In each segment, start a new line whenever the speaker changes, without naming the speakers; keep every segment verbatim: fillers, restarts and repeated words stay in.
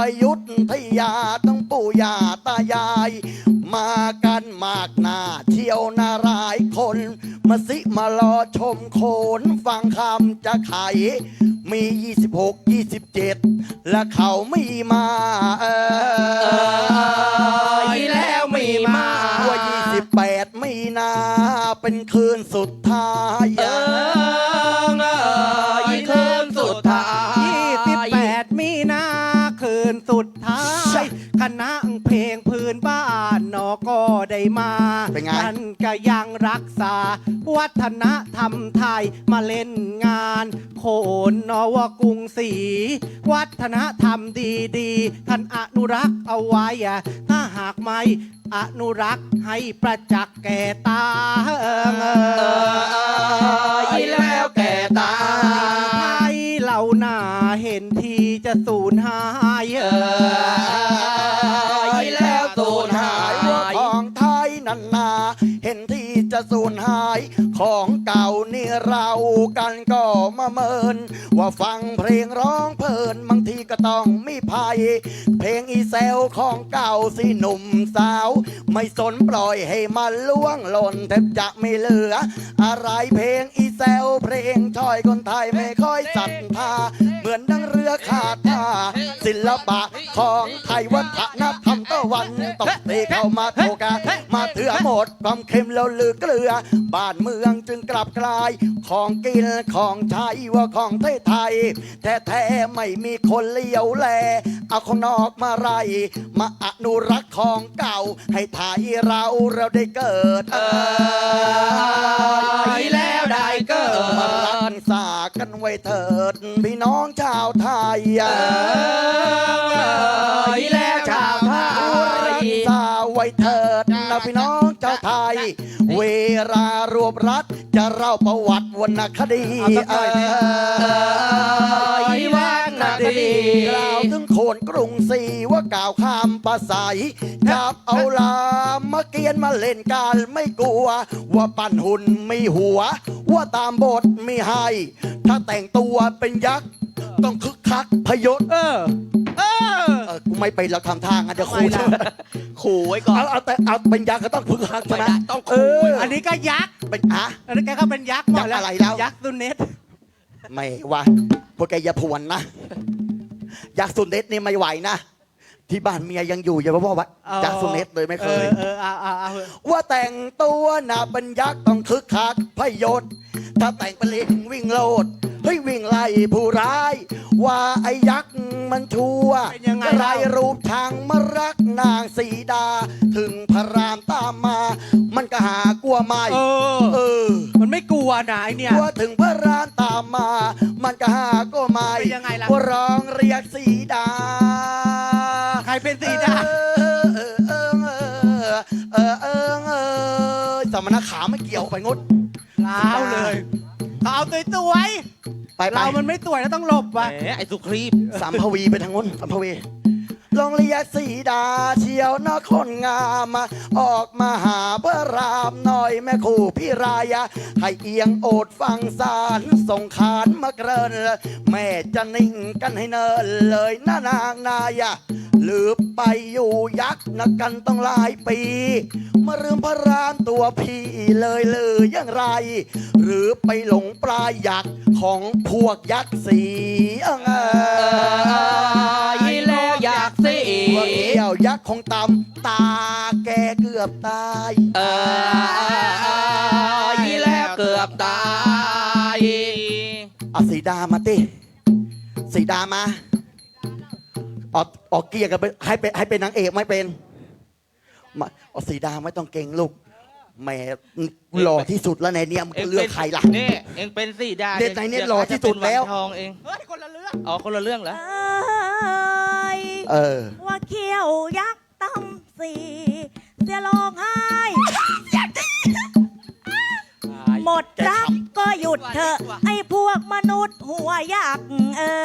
ยุทธยาต้องปู่ย่าตายายมากันมากหน้าเที่ยวนาหลายคนมาสิมารอชมโขนฟังคำจะไขมียี่สิบหก ยี่สิบเจ็ดและเขาไม่มาเออ
แล้วไม่มา
ว่ายี่สิบแปดมีนาเป็นคืนสุดท้าย
เออคืนสุดท้าย
ยี่สิบแปดมีนาคืนสุดท้ายคณะเพลงพื้นบ้านนอก็ได้มาท่านก็ยังรักษาวัฒนธรรมไทยมาเล่นงานโขนนวกรุงศรีวัฒนธรรมดีๆท่านอนุรักษ์เอาไว้ถ้าหากไม่อนุรักษ์ให้ประจักษ์แก่ตาเอ
อแล้วแก่ตา
ไทยเหล่าหน้าเห็นทีจะสูญหายเอ
อแล้วสูญหาย
ของไทยนันนาเห็นที่จะสูญหายของเก่านี่เรากันก็มาเมินว่าฟังเพลงร้องเพลินบางทีก็ต้องมีภัยเพลงอีเซลของเก่าสิหนุ่มสาวไม่สนปล่อยให้มันล่วงหล่นแทบจะไม่เหลืออะไรเพลงอีเซลเพลงช่อยคนไทยไม่ค่อยศรัทธาเหมือนดังเรือขาดท่าศิลปะของไทยวัฒนธรรมตะวันตกตีเข้ามาโทกามาเถื่อหมดความเค็มแล้วลือเกลือบ้านเมืองจึงกลับกลายของกินของใช้ว่าของไทยไทยแท้แท้ไม่มีคนเลี้ยวแลเอาของนอกมาไรมาอนุรักษ์ของเก่าให้ไทยเราเราได้เกิดเอ
อแล้วได้เกิด
มารักษากันไว้เถิดพี่น้องชาวไทยเอ
อแล้วชาวไทย
รักษาไว้เถิดนะพี่น้องชาวไทยเวลารวบรัดจะเล่าประวัติวรรณคดีเอ
อวรรณคดี
กล่าวถึงโขนกรุงศรีว่ากล่าวข้ามภาษาจับเอาลามาเกียนมาเล่นกันไม่กลัวว่าปั่นหุ่นมีหัวว่าตามบทมีให้ถ้าแต่งตัวเป็นยักษ์ต้องคึกคักพยศ
เออเออ
กูไม่ไปเราทำทางอ่ะเดี๋ยวขู่
ขู่ไว้ก่อน
เอาเอาแต่เอาเป็นยักษ์ก็ต้องคึกคักใช่ไหม
ต้องขู่
อันนี้ก็ยักษ์
เป็นอะ
อันนี้แกก็เป็นยักษ์
ยักษ์อะไรแล้ว
ยักษ์ซุนเนต
ไม่ว่าพวกแกอย่าพวนนะยักษ์ซุนเนตนี่ไม่ไหวนะที่บ้านเมียยังอยู่อย่าบอกว่ายักษ์ซุนเนตเลยไม่เคยว่าแต่งตัวน่ะเป็นยักษ์ต้องคึกคักพยศถ้าแต่งเป็นลิงวิ่งโลดเฮ้ยวิ่งไล่ผู้ร้ายว่าไอ้ยักษ์มันชั่วไรรูปทางมารักนางสีดาถึงพระรามตามมามันก็หากลัวไม่
เออเออมันไม่กลัวนะไอเนี่ย
กลัวถึงพระรามตามมามันก็หากลัวไม่ว่าร้องเรียกสีดา
ใครเป็นสีดา
เออเออเออเออเออเออสมณขาไม่เกี่ยวไปงด
เล่าเลยเอาตัวตัวไว้
ไป
เรามันไม่ตัวแล้วต้องหลบวะ
ไอ้สุครีบ
สามพวีไปทางนู้นสามพวีลองเรียกสีดาเชียวนครงามออกมาหาพระรามหน่อยแม่คู่พี่รายให้เอียงโอดฟังสารส่งขานมาเกรินแม่จะนิ่งกันให้เนินเลยน้านางนายหรือไปอยู่ยักษ์นักกันต้องหลายปีมาลืมพระรามตัวพี่เลยหรืออย่างไรหรือไปหลงปลายยักษ์ของพวกยักษ์สีเอ
อแล้วยักษ์สี
พวกเกี่ยวยักษ์ของตำตาแกเกือบตาย
เออแล้วเกือบตาย
เอาสีดามาติสีดามาออกออกเกียร์กันไปให้เป็นให้เป็นนางเอกไม่เป็นมาเอาสีดาไม่ต้องเก่งลูกแม่หล่อที่สุดแล้วในเนี้ยมันเลือกใครล่ะ
นี่เองเป็นสีดา
เด็กในเนี้ยหล่อที่สุดแล้ว
ทองเอง
เฮ้ยคนละเรื่อง
อ๋อคนละเรื่องเหรอ
เออ
ว่าเขี้ยวยักษ์ตั้มสีเสียร้องไห้หมดรักก็หยุดเถอะไอ้พวกมนุษย์หัวยักษ์เอ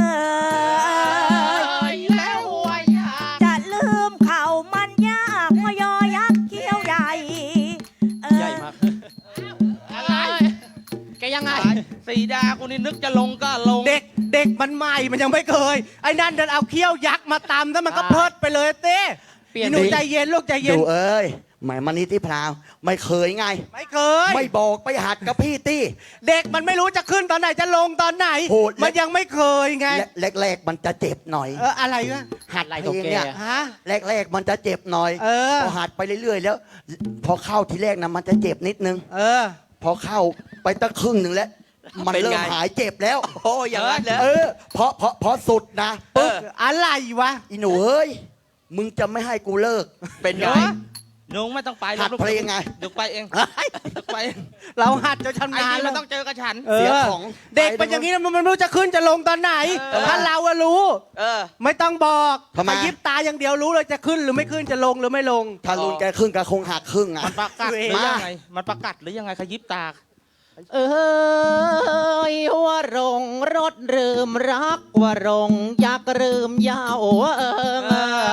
อแล้วหัวยักษ์
จะลืมเขามันยากพยอยักษ์เขี้ยวใหญ่
ใหญ่มากอะไรแกยังไงสีดาคนนี้นึกจะลงก็ลง
เด็กเด็กมันใหม่มันยังไม่เคยไอ้นั่นเดินเอาเขี้ยวยักษ์มาตำแล้วมันก็เพิดไปเลยเต้เปลี่ยนหนูใจเย็นลูกใจเย็น
ดูเอ้ยหมายมันนี่ที่พราวไม่เคยไง
ไม่เคย
ไม่บอกไปหัดกับพี่ตี้
เด็กมันไม่รู้จะขึ้นตอนไหนจะลงตอนไหน
โหด
มันยังไม่เคยไง
แรกๆมันจะเจ็บหน่อย
เอออะไรวะ
หัดเพลงเนี่ย
ฮะ
แรกๆมันจะเจ็บหน่อย
เออ
พอหัดไปเรื่อยๆแล้ว พอเข้าทีแรกนะมันจะเจ็บนิดนึง
เออ
พอเข้าไปตั้งครึ่งหนึ่งแล้ว มัน
เป็นไง
เริ่มหายเจ็บแล้ว
โอ้อย่างนั้นเหรอ
เออเพราะเพราะเพราะสุดนะ
เอ
ปึ๊บ
อ
อะไรวะ
อีหนูเอ้ยมึงจะไม่ให้กูเลิก
เป็นไง
เหรอ
นุ้งไม่ต้องไป
หัดเพลงไง
เดี๋ยวไปเองเดี๋ยวไปเอง
เราหัดจะชำ
ไอ้
นาญ
นี่
แล้
มั
วน
ต้องเจอกับฉัน
เอ
เสีย
อ
ของ
เด็กเป็นอย่างนี้นะมันไม่รู้จะขึ้นจะลงตอนไหน
เออ
ถ้าเราอะรู้
เออ
ไม่ต้องบอก
ทำไม
ขยิบตาอย่างเดียวรู้เลยจะขึ้นหรือไม่ขึ้นจะลงหรือไม่ลง
ถ้ารุนแกครึ่งก็คงหักครึ่งอ่ะ
มันประกัดหรือ
มา
ยังไง มันประกัดหรือยังไงขยิบตา
เอ้ยว่ารงรถลืมรักว่ารงอยากลืมยาวเอิง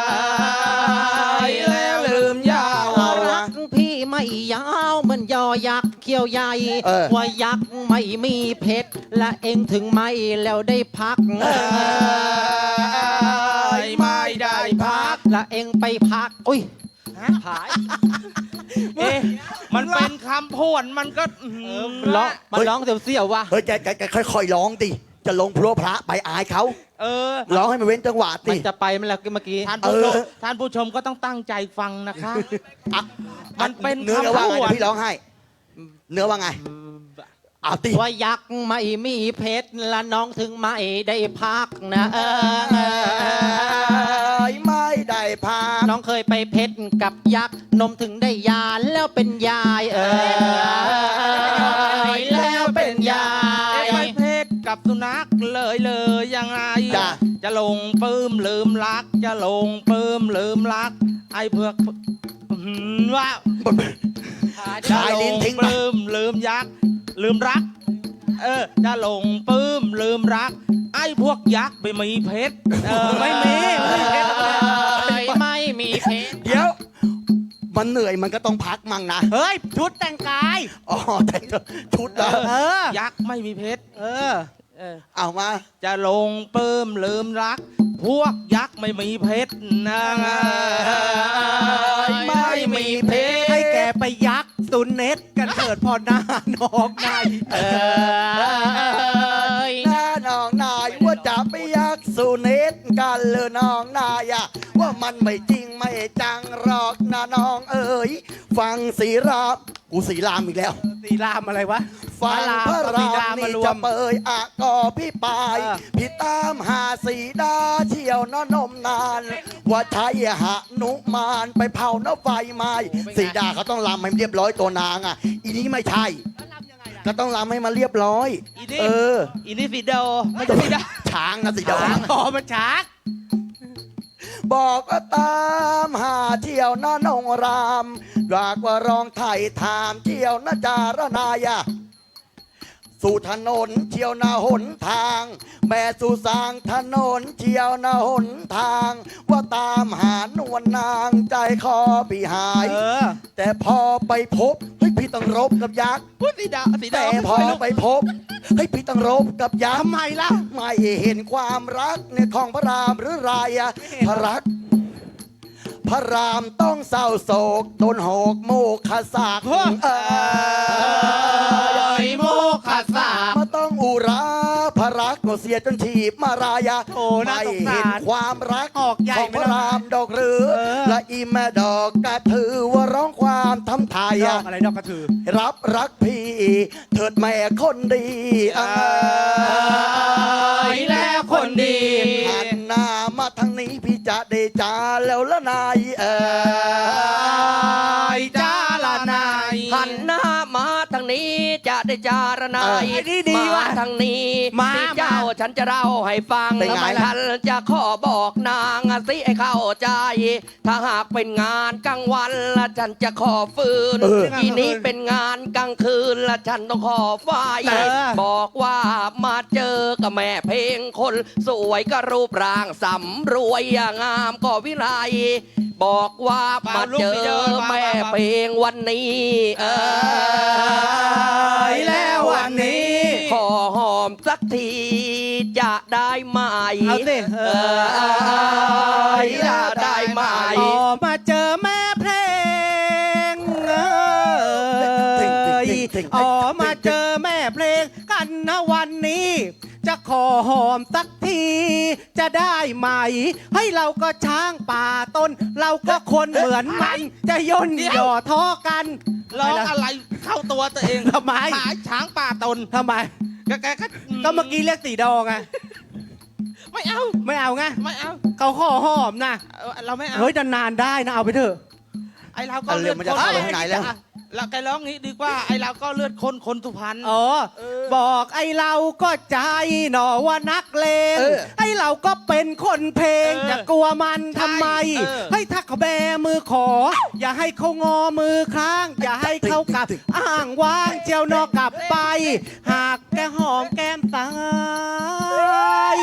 แล้วลืมยาว
รักพี่ไม่ยาวเหมือนยอยักษ์เขี้ยวใหญ่
เออ
ว่ายักษ์ไม่มีเพชรและเองถึงไม่แล้วได้พัก
ไม่ได้พัก
และเองไปพักอุ้ยหาย
เอ๊ะมันเป็นคำพวนมันก็อื้อหือ
ร้องมันร้องเสียวๆว่ะ
เฮ้ยแกแกแกค่อยๆร้องดิจะลงพระพระไปอายเขา
เออ
ร้องให้มันเว้นจังหวะ
มั
ดิ
นจะไปมันแล้วเมื่อกี้
ท่านผู้ชม
เออ
ท่านผู้ชมก็ต้องตั้งใจฟังนะคะ
อ่ะ
มันเป็น
เนื้อ
คำ
ว่าไง
พูด
เดี๋ยวพี่ร้องให้ เนื้อว่าไงเอาติ
ว่ายักษ์ไม่มีเพชรและน้องถึงไม่ได้พักนะเออ
ไม่ได้พา
น้องเคยไปเพชรกับยักษ์นมถึงได้ยานแล้วเป็นยายเออแล้วเป็นยา
เอ๊ะ
ย
ไปเพศกับสุนัขเลยเลยยังไง
จ้ะ
จะลงปื้มลืมรัก จะลงปื้มลืมรัก ไอ้เพือกอื้อหือว่า
ชายลิ้นทิ้ง
ป
ไป
ลื้มลืมยักษ์ลืมรัก เออจะหลงปลื้มลืมรัก ไอ้พวกยักษ์ไม่มีเพชรเออ
ไม่มีไม่มีเพชร
ไม่มีเพชร
เดี๋ยว มันเหนื่อยมันก็ต้องพักมั่งนะ
เฮ้ยชุดแต่งกาย
อ๋อแต่งชุดเหรอ
เออ
ยักษ์ไม่มีเพชร
เออ
เออ
เอามา
จะหลงปลื้มลืมรัก พวกยักษ์ไม่มีเพชรนะ
ไม่มีเพชร
ให้แกไปยักษ์ตุนเน็ตกันเถิดพอหน้าน้องนาย
เออ
หน้าน้องนายว่าจะไปยักสุเนตกันเลยน้องนายอะว่ามันไม่จริงไม่จังหรอกนะน้องเอ๋ยฟังสีรามกูสีรามอีกแล้ว
สีรามอะไรวะ
ฟังพระ
สี
ราม
มา
นี่
รว
จะ
ม
เปยอะกอพี่ปาย
เออ
พี่ตามหาสีดาเที่ยวน้อนมนาน ว่าใช้หะนุมานไปเผาน้ำไฟไหม้สีดาเขาต้องรำให้เรียบร้อยตัวนางอ่ะ อีนี้ไม่ใช่ ก็ต้องรำให้มันเรียบร้อย
อีนี่
เออ
อีนี่สีเดาไม่ใช่สีดา
ช้างนะสีดา
อ๋อมันชัก
บอกว่าตามหาเที่ยวน้านงรามอยากว่าร้องไทยถามเที่ยวนาจารนายะ สู่ถนนเที่ยวนาหนทาง แม่สู่สร้างถนนเที่ยวนาหนทาง ว่าตามหานวลนางใจคอพี่หาย
เออ
แต่พอไปพบเฮ้ยพี่ต้องรบกับยักษ์
พูดสีดาสีดา
แต่พอไปพบเฮ้ยพี่ต้องรบกับยักษ์
ทำไมล่ะ
ไม่เห็นความรักในของพระรามหรือไรอะพระรัก พระรามต้องเศร้าโศกตนหกโมกขสาก
เฮ้อ
เออ
โมคสา
มาต้องอุราพระรักก็เสียจนถีบมารายา
โอ้น่า
ไม่
สงสาร
เห็นความรัก
ออกใหญ่
ของ
ไป
พ
แล้ว
ระรามดอกหรือ
เออ
และอีแม่ดอกกระถือว่าร้องความทำไทย
ดอ
อะ
กอะไรดอกกระถือ
รับรักพี่เถิดแม่คนดีเออ
แล้วคนดี
หันหน้ามาทางนี้พี่จะได้จาแล้วละนายเออ
จ้าละนาย
หันหน้ามาทางนี้จะได้จารณา
เออ
ย
ไอ้นี่ดี
มา
ว่ะ
ทางนี้
มา
สิเจ้า
มา
ฉันจะเล่าให้ฟัง
เป็นไง
ทำไมท่านจะขอบอกนางสิให้เข้าใจ ถ้าหากเป็นงานกลางวันละฉันจะขอฟืน
เออ
ทีนี้เป็นงานกลางคืนละฉันต้องขอไฟ
เออ
บอกว่ามาเจอกับแม่เพลงคน สวยก็รูปร่างสำรวยงามก็วิไล บอกว่ามาเจอแม่เพลงวันนี้เออ
แล้ววันนี้
ขอหอมสักทีจะได้ไหม
เอาสิเอ
เอ
อ
อจะได้ไหม
ออกมาเจอแม่เพลงเอ้ยออกมาเจอแม่เพลงกันนะวันนี้ จะขอหอมสักที จะได้ไหม ให้เราก็ช้างป่าต้น เราก็คนเหมือนมัน จะย่นหย่อท้อกัน
ร้องอะไรเข้าตัวตัวเอง
ทำไม
หายช้างป่าตน
ทำไม
แกแกก็
ก็เมื่อกี้เรียกสีดองไง
ไม่เอา
ไม่เอาไง
ไม่เอา
เขาขอหอมนะ
เออเราไม่เอา
เฮ้ยนานๆได้นะเอาไปเถอะ
ไอเราก็
เอาเรื่
เลื
อ
อง ด
มัน
ค
จะ
น
เข้าไปข้างในแล้ว
เราแกร้องงี้ดีกว่าไอเราก็เลือดคนคนสุพรรณ
อ๋อ บอกไอ้เราก็ใจหนอว่านักเลง
เออ
ไอ้เราก็เป็นคนเพลง
เออ
จะกลัวมันทำไม
ใช่เออ
ให้ถ้าเขาแบมือขอ อย่าให้เขางอมือค้าง อย่าให้เขากลับ อ้างว้างเจียวนอกกลับไป หากแกหอมแก้มตาย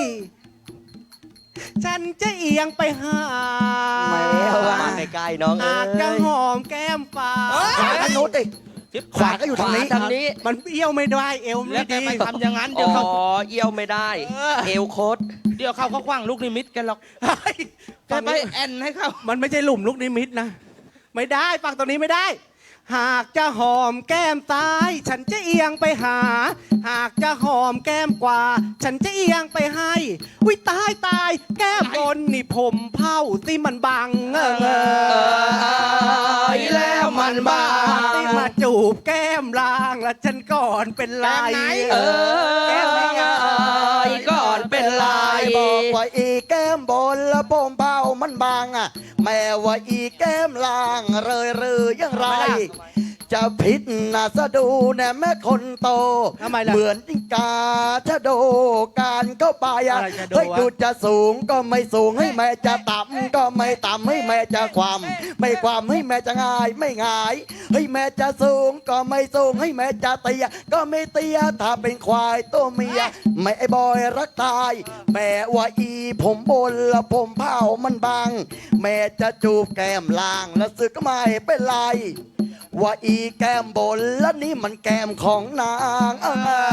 ฉันจะเอียงไปหา
แมวอะ
มาใกล้ๆน้องเอ้
หากจะ
ย
หอมแก้มฟ้า
ขวาทางโน้นดิ
จิ๊บ
ขวาก็อยู่ทางนี้
ทางนี้
มันเอี้ยวไม่ได้เอว
แล้
ไม่
วแก
ดี
ไปทำอย่างนั้น
อ๋
เดี๋ยวเขา
อเอี้ยวไม่ได้
เออ
เอวโคตร
เดี๋ยวเขาก็คว้างลูกนิมิตแกันหรอก
เฮ้ย
แกไปแอนให้เขา
มันไม่ใช่หลุมลูกนิมิตนะ ไม่ได้ฟังตรงนี้ไม่ได้ หากจะหอมแก้มซ้าย ฉันจะเอียงไปหา หากจะหอมแก้มขวาฉันจะเอียงไปให้วิตายตายแก้มบนนี่ผมเผาสิมันบังเออ
เอ้ยแล้วมันบ้า
ที่มาจูบแก้มล่างแล้วฉันก่อนเป็นไร
เอ
แก้มไหนอะ
ยก่อนเป็นลาย
บอกว่าอีแก้มบนแล้วโปมเป้ามันบางอ่ะ แม่ว่าอีแก้มล่างเรยเรือยังไร จะผิดนะสะดูแน่แม่คนโต
ทำไมล่ะ
เหมือนจิงกาชะโดการเข้าไปอ่ะ
อะไรชะโด
เฮ้ยว
ะ
ดูจะสูงก็ไม่สูงให้แม่จะต่ำก็ไม่ต่ำให้แม่จะความไม่ความให้แม่จะง่ายไม่ง่ายให้แม่จะสูงก็ไม่สูงให้แม่จะเตี้ยก็ไม่เตี้ยถ้าเป็นควายตัวเมียแม่ไอ้บอยรักตายแม่ว่าอีผมบนแล้วผมเผามันบางแม่จะจูบแก้มล่างแล้วสึกก็ไม่เป็นไร ว่าอีแก้มบนแล้วนี่มันแก้มของนางเอ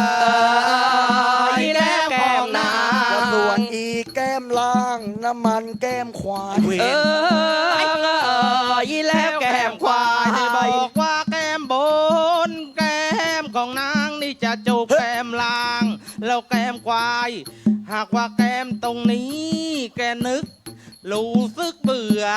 อีแล้วแก้มนาง
แล้วส่วนอีแก้มล่างน้ำมันแก้มควาย
เอออีแล้วแก้มควาย
ให้บอกว่าแก้มบน แก้มของนางนี่จะจูบแก้มล่าง แล้วแก้มควาย หากว่าแก้มตรงนี้ แกนึก รู้สึกเบื่อ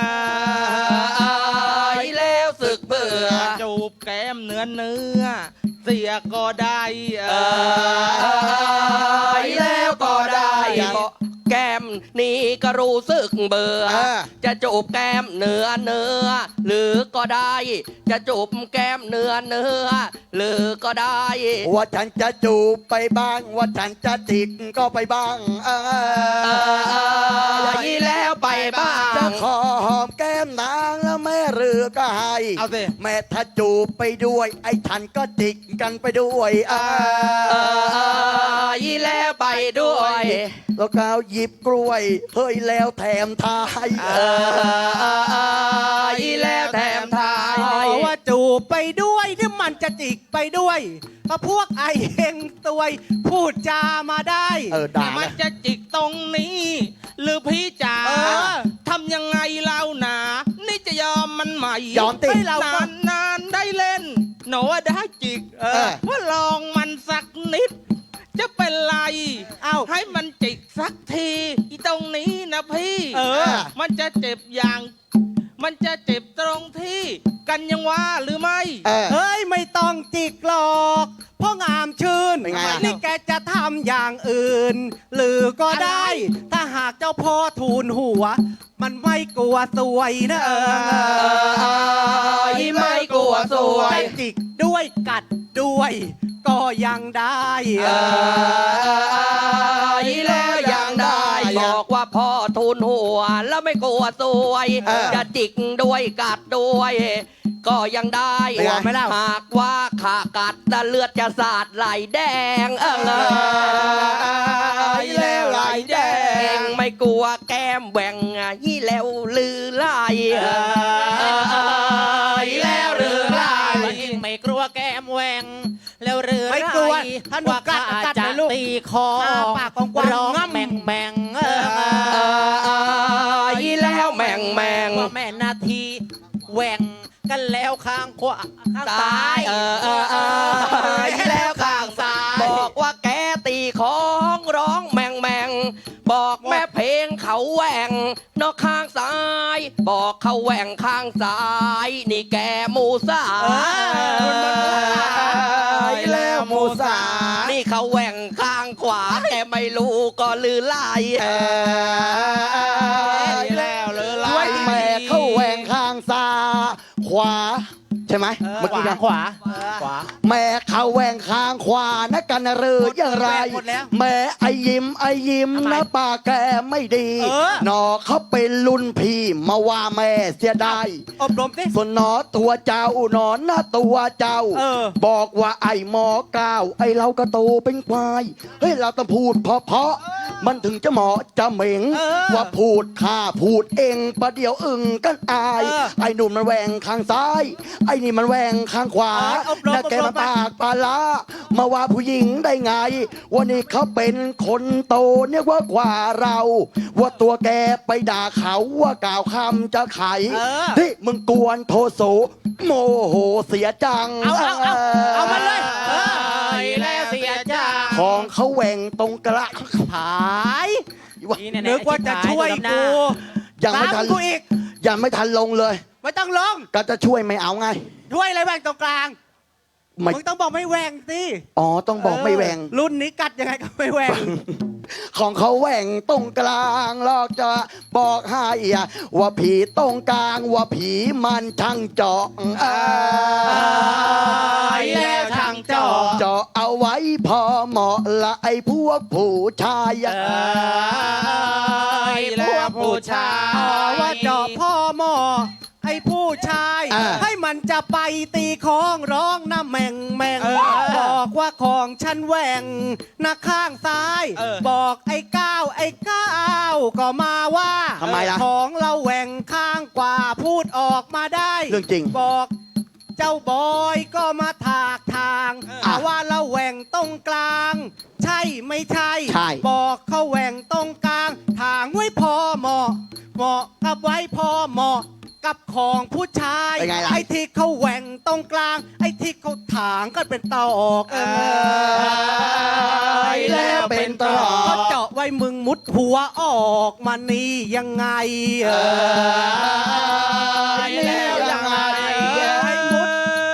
อีแล้วสึกเบื่อ
จูบแก้มเนื้อเนื้อ เสียก็ได้เอ
เอ
อ
อแล้วก็ได้บอกแก้มนี่ก็รู้สึกเบื่อ จะจูบแก้มเนื้อเนื้อ หรือก็ได้ จะจูบแก้มเนื้อเนื้อ หรือก็ได้
ว่าฉันจะจูบไปบ้าง ว่าฉันจะจิกก็ไปบ้างเอ
เอออีแล้วไปบ้า
จะ
ง
ขอหอมแก้มนางแล้วแม่เรือก็ให้
เอาสิ
แม่ถ้าจูบไปด้วย ไอ้ฉันก็จิกกันไปด้วยเอ
เอ
อ
ออีแล้วไปด้วย
แล้วก็หยิบกล้วย เฮ้ยแล้วแถมทาย
เอออีแล้วแถมทาย
ขอว่าจูบไปด้วยที่มันจะจิกไปด้วยก็พวกไอเฮงตวยพูดจามาได้
เออด่า
มัน
นะ
จะจิกตรงนี้ หรือพี่จ๋า
เออ
ทำยังไงเล่าหนา นี่จะยอมมันไหม
ยอมติ
ให้เราก็
นานนานๆได้เล่น หนูว่าได้จิก
เออ
ว่าลองมันสักนิด จะเป็นไร
เอ้า
ให้มันจิกสักทีอีตรงนี้นะพี่
เออ
มันจะเจ็บอย่าง มันจะเจ็บตรงที่ กันยังว่าหรือไม่
เออ
เฮ้ยไม่ต้องจิกหรอกเพราะงามชื่น
เป็นไงอะ
นี่แกจะทำอย่างอื่น หรือก็ได้ ถ้าหากเจ้าพ่อทูลหัว มันไม่กลัวสวยนะเออ
อีไม่กลัวสวย
จะจิกด้วยกัดด้วย ก็ยังได้
เอออีแล้วยังได้ บอกว่าพ่อทุนหัว แล้วไม่กลัวสวย
เออ
จะจิกด้วยกัดด้วย ก็ยังได้
เป็นไง
หากว่าขากัดแต่เลือดจะสาดไหลแดงเออ
อีแล้วไหลแดง
ไม่กลัวแก้มแหว่งยี่แล้วลือไล่อีแล้วลือไล่
ไม่กลัวแก้มแหวงแล้วเรือ
ไม่กลัวถ้าหนูกัดกัด
จะ
นะลูก
ตีคอ
อ้าป
นาทีแหว่งกันแล้วข้างขวาข้างซ้าย
เออเออเออแล้วข้างซ้าย บอกว่าแกตีของร้องแมงแมงบอกแม่เพลงเขาแหว่งนอกข้างซ้าย บอกเขาแหว่งข้างซ้าย นี่แกหมูสา
แล้วมูสา
นี่เขาแหว่งข้างขวาแกไม่รู้ก็ลือไล่
แล้วเลย
ไว้แม่เข้าแหวงข้างซ้ายขวา ใช่ไหม
เออ
เมื่อกี้นะ
ขวาขวา
แม่เขาแหวงข้างขวานะกันหรืออย่างไร
หมดแล้ว
แม่ไอยิ้มไอยิ้มนะป้าแกไม่ดี
เออ
หนอเขาเป็นรุ่นพี่มาว่าแม่เสียดาย
อบรมสิ
ส่วนหนอตัวเจ้าหนอนนะตัวเจ้า
เออ
บอกว่าไอ้หมอก้าวไอ้เราก็โตเป็นควายเฮ้ยเราต้องพูดเพราะเพราะๆมันถึงจะเหมาะจะเหม่ง
เออ
ว่าพูดข้าพูดเองประเดี๋ยวอึ่งกันอาย
เออ
ไอ้หนุ่มมันแหวงข้างซ้าย ไอ้นี่มันแหวงข้างขวา
เอออบรม
แล้วแก
อบร
มาม ปากปลาล้ามาว่าผู้หญิงได้ไงวันนี้เขาเป็นคนโตเนี่ยว่ากว่าเรา ว่าตัวแกไปด่าเขาว่ากล่าวคำจะไข
เออ
ที่มึงกวนโทโสโมโหเสียจัง
เอาเอาเอาเอามาเลยเออ
แล้วเสียจ้า
ของเขาแหว่งตรงกระ
หาย
นี่แๆ
นึกว่าจะช่วย
ไอ้
กู
ยังไม่ทัน
ตามกูอีก
ยังไม่ทันลงเลย
ไม่ต้องลง
ก็จะช่วยไม่เอาไง
ด้วยอะไรแหว่งตรงกลาง
ไม่
มึงต้องบอกไม่แหว่งสิ
อ๋อต้องบอกไม่แหว่ง
เออรุ่นนี้กัดยังไงก็ไม่แหว่ง
ของเขาแหว่งตรงกลางลอกจะบอกให้อะว่าผีตรงกลางว่าผีมันช่างเจาะเอ้ย
แล้วช่างเจาะ
เจาะเอาไว้พอเหมาะละไอ้พวกผู้ชายอะ
แล้วผู้ชา
อ๋อย ว่าเจาะพ่อหมอไอ้ผู้ชาย
อ่า
ให้มันจะไปตีของร้องนะแม่งแม่ง
เออ
บอกว่าของฉันแหว่งนะข้างซ้าย
เออ
บอกไอ้ก้าวไอ้ก้าวก็มาว่า
ทำไมล่ะ
ของเราแหว่งข้างกว่าพูดออกมาได้
เรื่องจริง
บอกเจ้าบอยก็มาถากทาง
เออ
หาว่าเราแหว่งตรงกลาง ใช่ไม่ใช่
ใช่
บอกเขาแหว่งตรงกลาง ทางไว้พอเหมาะเหมาะกับไว้พอเหมาะกับของผู้ชาย
เป็นไงล่ะ
ไอ้ที่เขาแหว่งตรงกลาง ไอ้ที่เขาถางก็เป็นตอกเออ
แล้วเป็นตรอก
ก็เจาะไว้มึงมุดหัวออกมานี่ยังไงเออ
แล้วยังไง
ให้มุด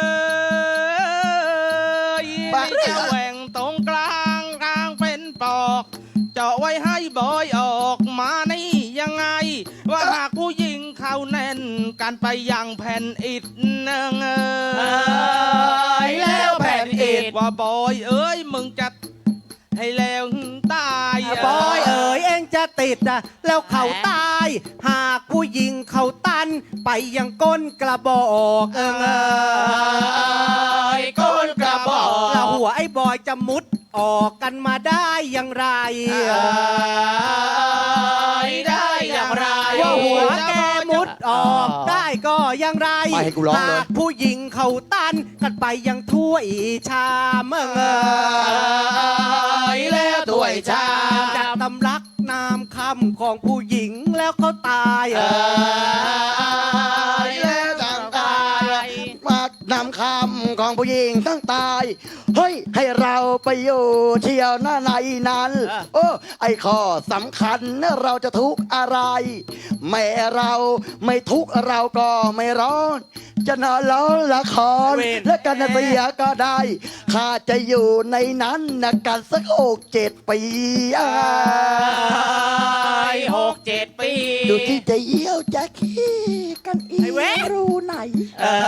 ไปจะแหว่งตรงกลางกลางเป็นปอก เจาะไว้ให้บอยออกมานี่ยังไง ว่าหากผู้หญิงเขาแน่นกันไปยังแผ่นอิฐเนงเอ้ย
แล้วแผ่นอิฐ
ว่าบอยเอ้ยมึงจะให้แล้วตาย
บอยเอ๋ยเองจะติดอะแล้วเขาตาย หากผู้หญิงเขาตัน ไปยังก้นกระบอกเออ
ก้นกระบอก
แล้วหัวไอ้บอยจะมุดออกกันมาได้อย่างไร
ได้อย่างไร
ว่าหัวแกมุดออกได้ก็อย่างไร
ไม่ให้กูร้องเลย
หากผู้หญิงเขาตันกันไปยังถ้วยชามเออ
แล้วถ้วยชาม
จากตำรักนามคำของผู้หญิงแล้วเขาตายเออ
แล้วต่างตายมานำคำของผู้หญิงทั้งตาย เฮ้ย ให้เราไปอยู่เที่ยวหน้าในนั้นโอ้ไอ้ข้อสำคัญนะเราจะทุกข์อะไร แม่เราไม่ทุกข์เราก็ไม่ร้อน จะนอนร้อนละคร และกันเสียก็ได้ ข้าจะอยู่ในนั้นนะกันสักหกเจ็ดปีอ่า
หกเจ็ดปี
ดูที่จะเยี่ยวจะขี้กันอี
ไอ้เว้ย
รู้ไหน
เออ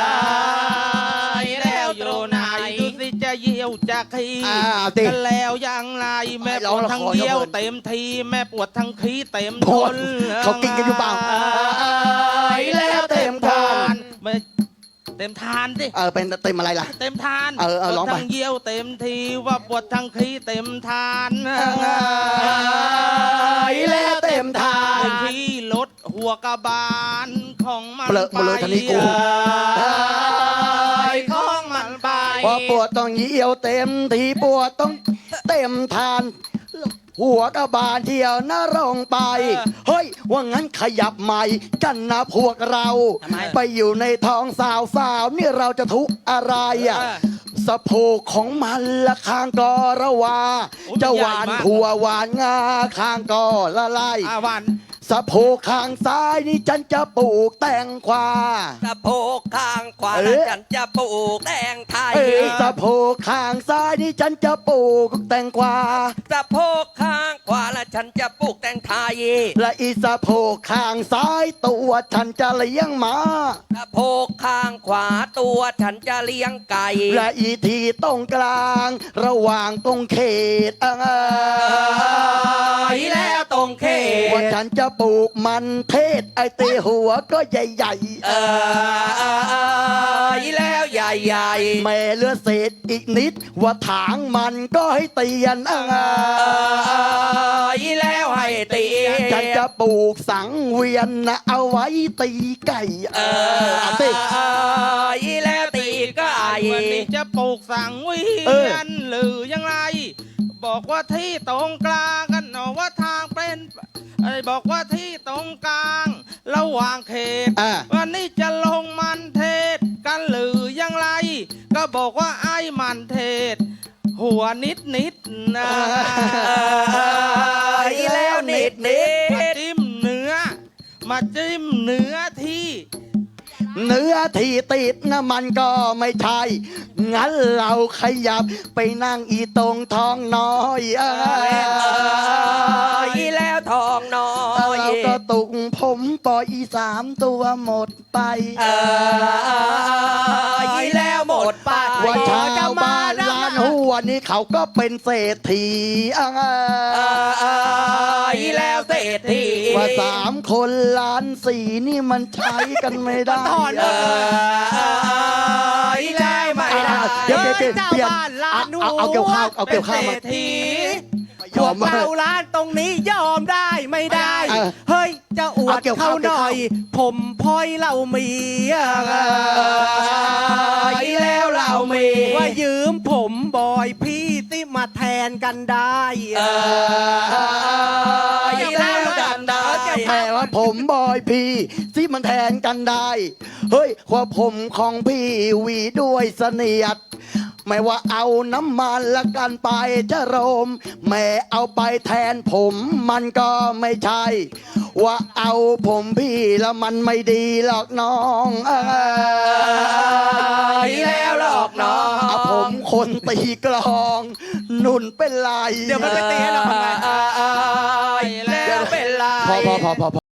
แล้วอยู่ไหนดูสิจะเยี่ยวจะขี้
อ้าวติ
กันแล้วยังไรแม่ปวดทั้งเยี่ยวเต็มทีแม่ปวดทั้งขี้เต็ม
โทษเขากินกันอยู่เปล่า แล้วเต็มทาน
ไม่เต็มทานสิ
เออเป็นเต็มอะไรล่ะ
เต็มทาน
เออเออ
ปวด
ร้องไป
ทั้งเยี่ยวเต็มทีว่าปวดทั้งขี้เต็มทาน
แล้วเต็มทา
เต็
น
มที่รถหัวกระบาลของมัน
เปลือกมาเลยทีนี้กู
ของมันไป
พอปวดต้องเยี่ยวเต็มทีปวดต้องเต็มทานหัวกระบาลเที่ยวนะลงไป
เออ
เฮ้ย ว่างั้นขยับใหม่กันนะพวกเรา
ทำไม
ไปอยู่ในท้องสาวสาวๆนี่เราจะทุกข์อะไรอ่ะ
เออ
สะโพกของมันละข้างก็ระวา
โอ้ย
จะหวาน
ใหญ่มาก
ถั่วหวานงาข้างก็ละลาย
อาวัน
สะโพกข้างซ้ายนี่ฉันจะปลูกแตงกวา
สะโพกข้างขวา
เอ๊ะ
แล้วฉันจะปลูกแตงไทย
เอ้ยสะโพกข้างซ้ายนี่ฉันจะปลูกแตงกวา
สะโพกข้างขวาแล้วฉันจะปลูกแตงไทย
และอีสะโพกข้างซ้ายตัวฉันจะเลี้ยงหมา
สะโพกข้างขวาตัวฉันจะเลี้ยงไก่
และอีทีตรงกลาง ระหว่างตรงเขตเอ
ไอ้แล้วตรงเข
ว่า
ต
ฉันจะปลูกมันเทศไอตีหัวก็ใหญ่
เออไอ้แล้วใหญ่ใหญ่
ๆแม่เหลือเศษอีกนิด ว่าถางมันก็ให้เตียนเอ
เอ
อ
อไอ้แล้วให้ตี
ฉันจะปลูกสังเวียนนะเอาไว้ตีไก่
เอ
เอ
อ
อเอาสิ
ไอ้แล้วตีไก่
วันนี้จะปลูกสังเวี
เออ
ยนหรือยังไง บอกว่าที่ตรงกลางกันหนอว่าทางเป็นไอ้บอกว่าที่ตรงกลาง ระหว่างเขต
อ่ะ
วันนี้จะลงมันเทศกันหรือยังไร ก็บอกว่าไอ้มันเทศ หัวนิดนิดๆนะ
ไอ้แล้วนิดนิด
มาจิ้มเนื้อ มาจิ้มเนื้อที่
เนื้อที่ติดนะมันก็ไม่ใช่ งั้นเราขยับไปนั่งอีตรงท้องน้อยเออ
ไอ้แล้วทองน้อย
เราก็ตุกผมปล่อยอีสามตัวหมดไป
เออไอ้แล้วหมดไป
ว่าชาวบ้านล้านหัวนี่เขาก็เป็นเศรษฐีเออ
เออไอ้แล้วเศรษฐี
ว่าสามคนล้านสี่นี่มันใช้กันไม่ได้
ถอน
เออไอ้แล้วไม่ได้
เดี๋ยวเดี๋ยวเดี๋ยว
เจ้า
เปลี่ยน
บ้านล้าน
เอาเอาเอาเกี่ยวข้าวเอา
เป็
เกี่
น
ยว
เศ
ข้าว
ร
มา
ษฐี
พวกเราร้านตรงนี้ยอมได้ไม่ได้
เออ
เฮ้ย จะอว
เอา
ด
เกี่ยว
เขา
ข้าว
หน่อย ผมพลอยเรามีอะ
ไอ้แล้วเรามี
ว่ายืมผมบอยพี่ติมาแทนกันได้
เออไอ้แล้วกันได้
แม่ว่าผมบอยพี่ที่มันแทนกันได้ เฮ้ยว่าผมของพี่หวีด้วยเสนียด ไม่ว่าเอาน้ำมันละกันไปจะโรม แม่เอาไปแทนผมมันก็ไม่ใช่ ว่าเอาผมพี่แล้วมันไม่ดีหรอกน้องเออ
ไอ้แล้วหลอกน้อง
เอาผมคนตีกลอง นุ่นเป็นไร
เดี๋ยวมันไปตีให้เราทำไง
ไอ้แล้วเป็นไร
พอพอพอพอ